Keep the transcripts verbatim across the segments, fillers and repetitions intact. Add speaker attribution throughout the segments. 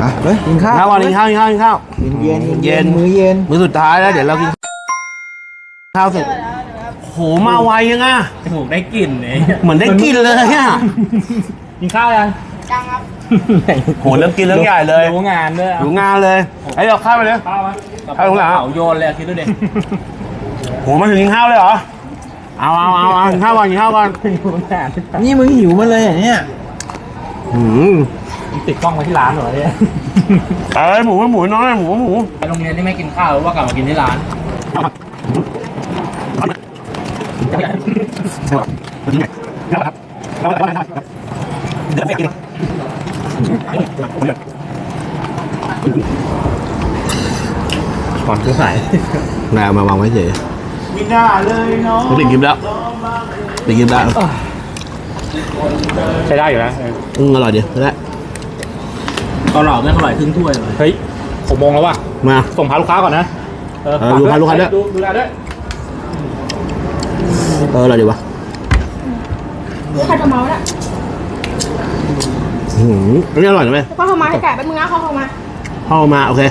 Speaker 1: อ่ะเฮ้ยกินข้าว
Speaker 2: ข้าววันกินข้าวกินข้าวกินข้าว
Speaker 1: เย็นเย็น
Speaker 2: เย็น
Speaker 1: มื้อเย็น
Speaker 2: มื้อสุดท้ายแล้วเดี๋ยวเรากินข้าวเสร็จโหมาไวยังอ่ะ
Speaker 3: จมูกได้กลิ่นเลย
Speaker 2: เหมือนได้กินเลยอ่ะ
Speaker 3: กินข้าวยัง
Speaker 4: จังครับ
Speaker 2: โหเริ่มกินเรื่องใหญ่เลย
Speaker 3: รู้งานด้วย
Speaker 2: ดูงานเลยไอ้เราข้าวไปเลย
Speaker 3: ข้าวไหม
Speaker 2: ข้าวของเรา
Speaker 3: เผาโยนเลยคิดดูดิ
Speaker 2: โหมาถึงกินข้าวเลยเหรอเอาเอาเอาเอากินข้าวก่อนกินข้าวก่อน
Speaker 3: รู้งาน
Speaker 1: นี่มึงหิวมาเลยอย่างเนี้ย
Speaker 2: อืม
Speaker 3: ติดกล้องไว้ที่ร้านเหรอเนี่ย
Speaker 2: เอ้ยหมูหมูน้อยหมูหมู
Speaker 3: ไปโรงเรียนที่ไม่กินข้าวหรือว่ากลับมากินที่ร้าน
Speaker 2: ก่อนซื้อสายนายมาวางไว้เฉยไม่น่าเลยเนาะติดกินแล้วติดกินแล้ว
Speaker 3: ใช้ได้อยู่นะ
Speaker 2: อืมอร่อยดีได้
Speaker 3: เกาเหลาไม่อร่อยครึ่งถ้วยเลยเฮ้ยหกโมงแล้วว่ะ
Speaker 2: มา
Speaker 3: ส่งพาลูกค้าก่อนนะ
Speaker 2: เออดูพาลูกค้าด้วย
Speaker 3: ดูดูแลด้วย
Speaker 2: เอออร่อยดีวะ
Speaker 4: นี่ใครจะเมาเนี่ย
Speaker 2: อืมอันนี้อร่อยนะแม่
Speaker 4: ก็เข้ามาให้ไก่แป๊บนึงนะเขาเข้ามา
Speaker 2: เข้ามาโอเค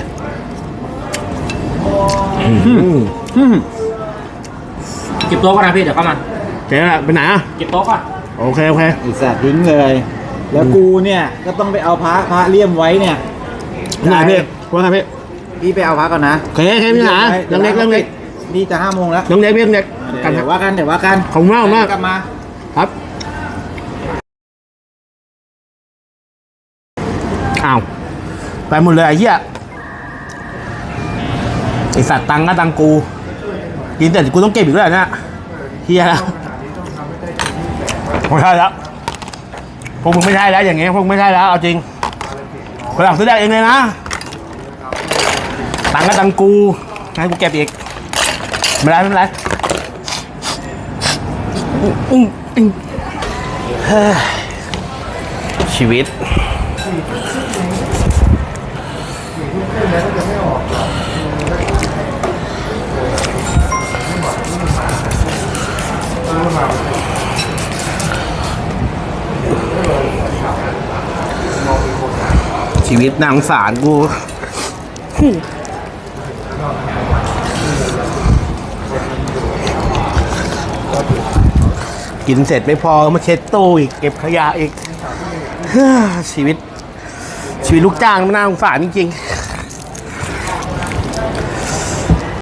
Speaker 2: อืม
Speaker 3: เก็บโต๊ะก่อนนะพี่เดี๋ยวเข้ามา
Speaker 2: เจ๊ไปไหนอ่ะ
Speaker 3: เก็บโต๊ะก่อน
Speaker 2: โอเคโอเค
Speaker 1: ไอ้สัตว์ทิ้งเลย แล้วกูเนี่ยก็ต้องไปเอาพระพระเลี่ยมไว้เนี่ย
Speaker 2: ไหนพี่ว่าไงพี่
Speaker 1: พี่ไปเอาพระก่อนนะ
Speaker 2: โอเคโอเคพี่หนาเรื่องเล็กเรื่องเล็ก
Speaker 1: นี่จะห้าโมงแล้ว
Speaker 2: เรื่องเล็กเรื่องเล็กกัน
Speaker 1: เดี๋ยวว่ากันเดี๋ยวว่ากัน
Speaker 2: ขอบคุณมากมาก
Speaker 1: กลับมา
Speaker 2: ครับอ้าวไปหมดเลยไอ้เหี้ยไอสัตว์ตังก็ตังกูกินแต่กูต้องเก็บอีกด้วยเนี่ยเฮียแล้วไม่ใช่แล้วพวกมึงไม่ใช่แล้วอย่างเงี้ยพวกมึงไม่ใช่แล้วเอาจริงคนหลังซื้อได้เองเลยนะตังก็ตังกูให้กูเก็บอีกไม่ได้ไม่เป็นไรอุ้งอิงเฮ้ยชีวิตชีวิตนางสารกูกินเสร็จไม่พอมาเช็ดตู้อีกเก็บขยะอีกชีวิตชีวิตลูกจ้างมันน่าสงสารจริงๆ